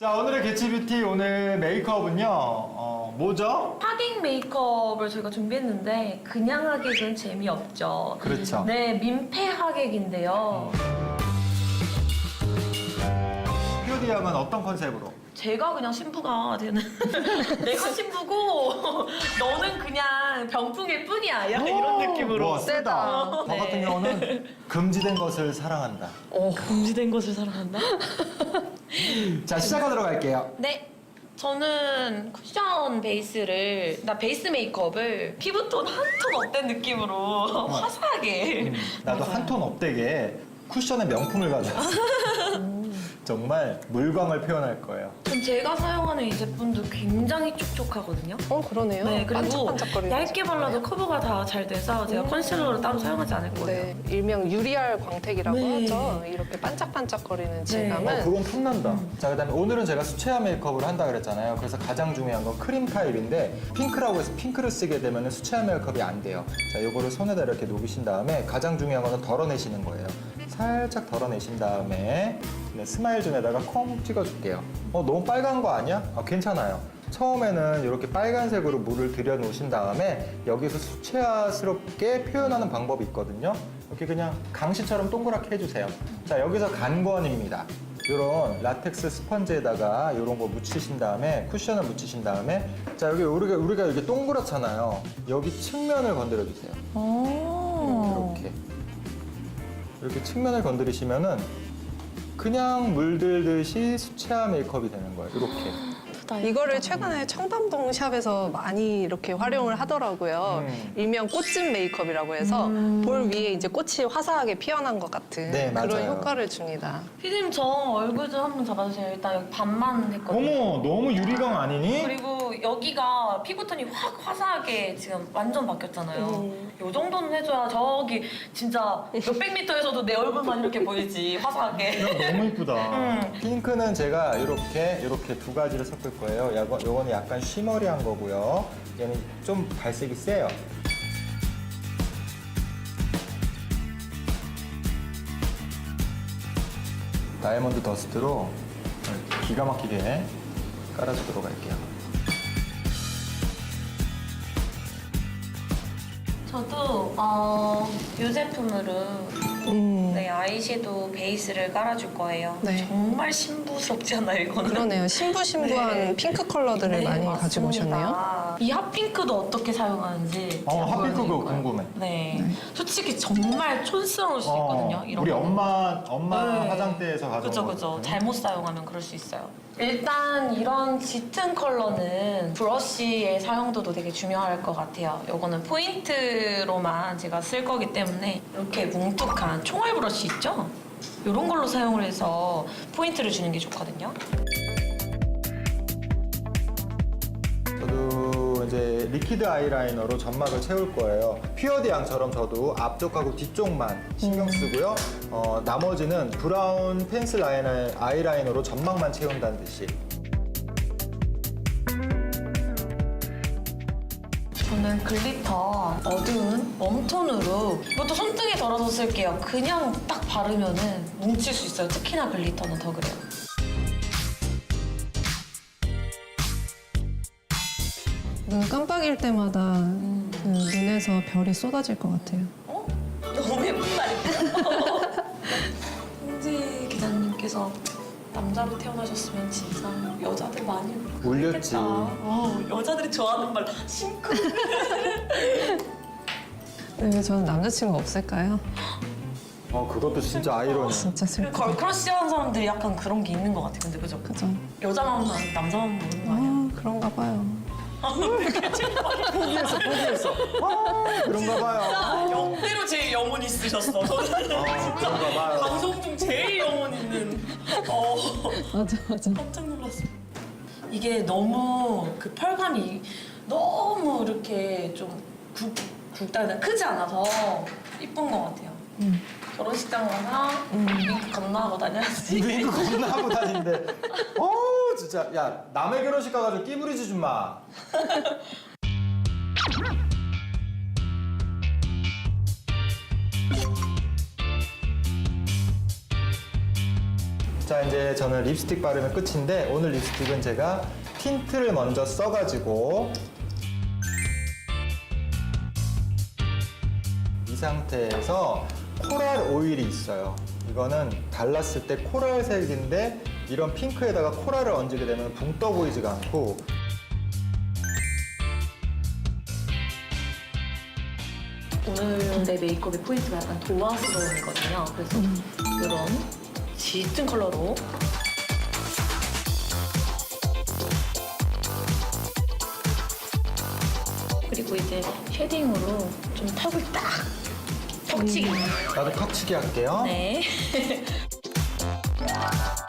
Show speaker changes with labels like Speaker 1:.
Speaker 1: 자, 오늘의 개치뷰티 오늘 메이크업은요, 뭐죠?
Speaker 2: 하객 메이크업을 저희가 준비했는데 그냥 하객은 재미없죠.
Speaker 1: 그렇죠.
Speaker 2: 네, 민폐 하객인데요.
Speaker 1: POD 양은 어떤 컨셉으로?
Speaker 2: 제가 그냥 신부가 되는 내가 신부고 너는 그냥 병풍일 뿐이야 약간 이런 느낌으로.
Speaker 1: 와, 세다. 저
Speaker 2: 네.
Speaker 1: 같은 경우는 금지된 것을 사랑한다.
Speaker 2: 금지된 것을 사랑한다?
Speaker 1: 자, 시작하도록 할게요.
Speaker 2: 네. 저는 쿠션 베이스를, 베이스 메이크업을 피부톤 한 톤 업된 느낌으로 화사하게.
Speaker 1: 나도 한 톤 업되게 쿠션의 명품을 가져왔어. 정말 물광을 표현할 거예요.
Speaker 2: 전 제가 사용하는 이 제품도 굉장히 촉촉하거든요.
Speaker 3: 그러네요.
Speaker 2: 네, 그리고
Speaker 3: 반짝반짝거리는
Speaker 2: 얇게 발라도 커버가 다 잘 돼서 제가 컨실러를 따로 사용하지 않을 거예요.
Speaker 3: 네, 일명 유리알 광택이라고
Speaker 2: 네.
Speaker 3: 하죠. 이렇게 반짝반짝거리는 질감은.
Speaker 1: 그건 탐난다. 자, 그다음에 오늘은 제가 수채화 메이크업을 한다 그랬잖아요. 그래서 가장 중요한 건 크림 타입인데 핑크라고 해서 핑크를 쓰게 되면 수채화 메이크업이 안 돼요. 자, 요거를 손에다 이렇게 녹이신 다음에 가장 중요한 거는 덜어내시는 거예요. 살짝 덜어내신 다음에 스마일 존에다가 콩 찍어줄게요. 너무 빨간 거 아니야? 괜찮아요. 처음에는 이렇게 빨간색으로 물을 들여 놓으신 다음에 여기서 수채화스럽게 표현하는 방법이 있거든요. 이렇게 그냥 강시처럼 동그랗게 해주세요. 자, 여기서 간권입니다. 이런 라텍스 스펀지에다가 이런 거 묻히신 다음에 쿠션을 묻히신 다음에 자, 여기 우리가 이게 동그랗잖아요. 여기 측면을 건드려 주세요. 이렇게 측면을 건드리시면은 그냥 물들듯이 수채화 메이크업이 되는 거예요. 이렇게.
Speaker 3: 이거를 최근에 청담동 샵에서 많이 이렇게 활용을 하더라고요. 일명 꽃집 메이크업이라고 해서 볼 위에 이제 꽃이 화사하게 피어난 것 같은
Speaker 1: 네,
Speaker 3: 그런
Speaker 1: 맞아요.
Speaker 3: 효과를 줍니다.
Speaker 2: 피디님 저 얼굴 좀 한번 잡아주세요. 일단 여기 반만 했거든요.
Speaker 1: 어머, 너무 유리광 아니니?
Speaker 2: 그리고 여기가 피부톤이 확 화사하게 지금 완전 바뀌었잖아요. 이 정도는 해줘야 저기 진짜 몇백 미터에서도 내 얼굴만 이렇게 보이지 화사하게.
Speaker 1: 너무 이쁘다. 핑크는 제가 이렇게 두 가지를 섞을 거예요. 요거는 약간 쉬머리한 거고요. 얘는 좀 발색이 세요. 다이아몬드 더스트로 기가 막히게 깔아주도록 할게요.
Speaker 2: 저도 이 제품으로 네, 아이섀도우 베이스를 깔아줄 거예요.
Speaker 3: 네.
Speaker 2: 정말 신부스럽지 않아요, 이거는?
Speaker 3: 그러네요. 신부한
Speaker 2: 네.
Speaker 3: 핑크 컬러들을 많이 가지고 오셨네요.
Speaker 2: 이 핫핑크도 어떻게 사용하는지 제가
Speaker 1: 핫핑크
Speaker 2: 보여드릴
Speaker 1: 그거
Speaker 2: 거예요.
Speaker 1: 궁금해.
Speaker 2: 네. 솔직히 정말 촌스러울 수 있거든요. 이런
Speaker 1: 우리
Speaker 2: 거.
Speaker 1: 엄마
Speaker 2: 네.
Speaker 1: 화장대에서 가져온
Speaker 2: 그죠, 그죠.
Speaker 1: 거거든요.
Speaker 2: 잘못 사용하면 그럴 수 있어요. 일단 이런 짙은 컬러는 브러쉬의 사용도도 되게 중요할 것 같아요. 요거는 포인트로만 제가 쓸 거기 때문에 이렇게 뭉툭한 총알 브러쉬 있죠? 이런 걸로 사용을 해서 포인트를 주는 게 좋거든요.
Speaker 1: 저도 이제 리퀴드 아이라이너로 점막을 채울 거예요. 퓨어디 양처럼 저도 앞쪽하고 뒤쪽만 신경 쓰고요. 나머지는 브라운 펜슬 아이라이너로 점막만 채운다는 듯이.
Speaker 2: 저는 글리터 어두운 웜톤으로 이것도 손등에 덜어서 쓸게요. 그냥 딱 바르면은 뭉칠 수 있어요. 특히나 글리터는 더 그래요.
Speaker 3: 눈 깜빡일 때마다 그 눈에서 별이 쏟아질 것 같아요.
Speaker 2: 너무 예쁜 말이에요. 홍지 기자님께서 남자로 태어나셨으면 진짜 여자들 많이
Speaker 1: 울렸지.
Speaker 2: 여자들이 좋아하는 말 심쿵.
Speaker 3: 왜 저는 남자친구 없을까요?
Speaker 1: 그것도 진짜 아이러니.
Speaker 3: 진짜 슬퍼.
Speaker 2: 걸크러쉬하는 사람들이 약간 그런 게 있는 것 같아. 근데 그죠?
Speaker 3: 그죠?
Speaker 2: 여자 마음은 아니고 남자 마음 모르는 거 아니야?
Speaker 3: 그런가 봐요.
Speaker 1: 포기했어. 그런가 봐요.
Speaker 2: 역대로 제일 영혼 있으셨어. 저는
Speaker 1: 그런가 봐요.
Speaker 2: 방송 중 제일 영혼 있는.
Speaker 3: 맞아.
Speaker 2: 깜짝 놀랐어. 이게 너무 그 펄감이 너무 이렇게 좀 굵다 크지 않아서 이쁜 것 같아요. 결혼식장 가나 윙크 건너하고 다녀야지.
Speaker 1: 윙크 겁나 하고 다니는데. 진짜. 야, 남의 결혼식 가가지고 끼 부리지 좀 마. 자, 이제 저는 립스틱 바르면 끝인데 오늘 립스틱은 제가 틴트를 먼저 써가지고 이 상태에서 코랄 오일이 있어요. 이거는 발랐을 때 코랄색인데 이런 핑크에다가 코랄을 얹게 되면 붕 떠 보이지가 않고
Speaker 2: 오늘 내 메이크업의 포인트가 약간 도화스러움이거든요. 그래서 이런 짙은 컬러로 그리고 이제 쉐딩으로 좀 턱을 딱 턱치기.
Speaker 1: 나도 턱치기 할게요.
Speaker 2: 네.